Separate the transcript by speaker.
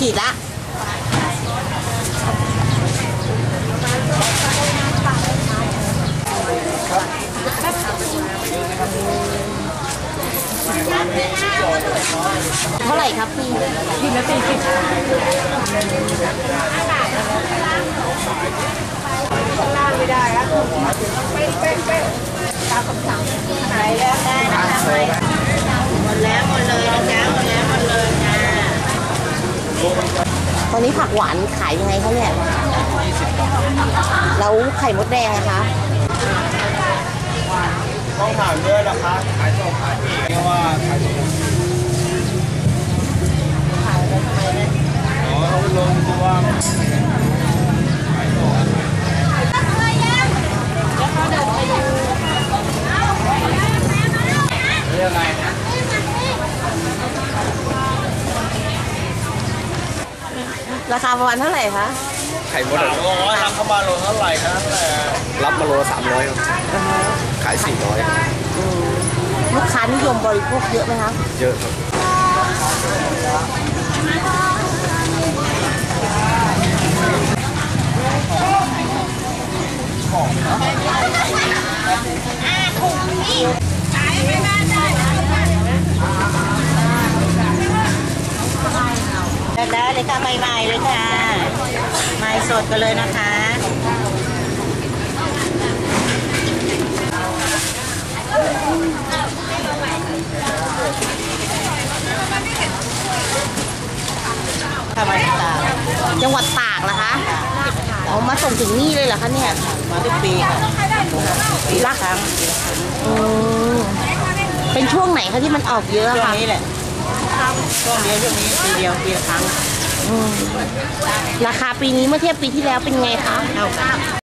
Speaker 1: ขีดละเท่าไหร่ครับพี่ขีดละ40ล่างไม่ได้แล้วเป๊ะตามคำสั่งไหนแล้วได้นะคะหมดแล้วหมดเลยนะจ๊ะหมดแล้วหมดเลยจ้าตอนนี้ผักหวานขายยังไงคะเนี่ยแล้วไข่มดแดงนะคะ
Speaker 2: ต้องถามด้วยนะคะขายส่งขายปีกเรียกว่าขายส่งขายแล้วทำไมเนี่ยอ๋อเขาลงตัวขายส่งเรื่องอะไรนะ
Speaker 1: ราคาประมาณเท่าไหร่คะ
Speaker 2: ไข่มด300รับเข้ามาโลเท่าไหร่ครับรับมาโล300ครับขาย400
Speaker 1: ลูกค้านิยมบริโภคเยอะไหมคะ
Speaker 2: เยอะครับ
Speaker 1: ได้เลยค่ะใหม่ๆเลยค่ะใหม่สดกันเลยนะคะมาจากตากจังหวัดตากนะคะเอามาส่งถึงนี่เลยเหรอคะเนี่ยมาทุกปีค่ะปีละครั้งเป็นช่วงไหนคะที่มันออกเยอะคะช่วงนี้แหละช่วงเดียวช่วงนี้ปีเดียวปีละครั้งราคาปีนี้เมื่อเทียบปีที่แล้วเป็นไงคะ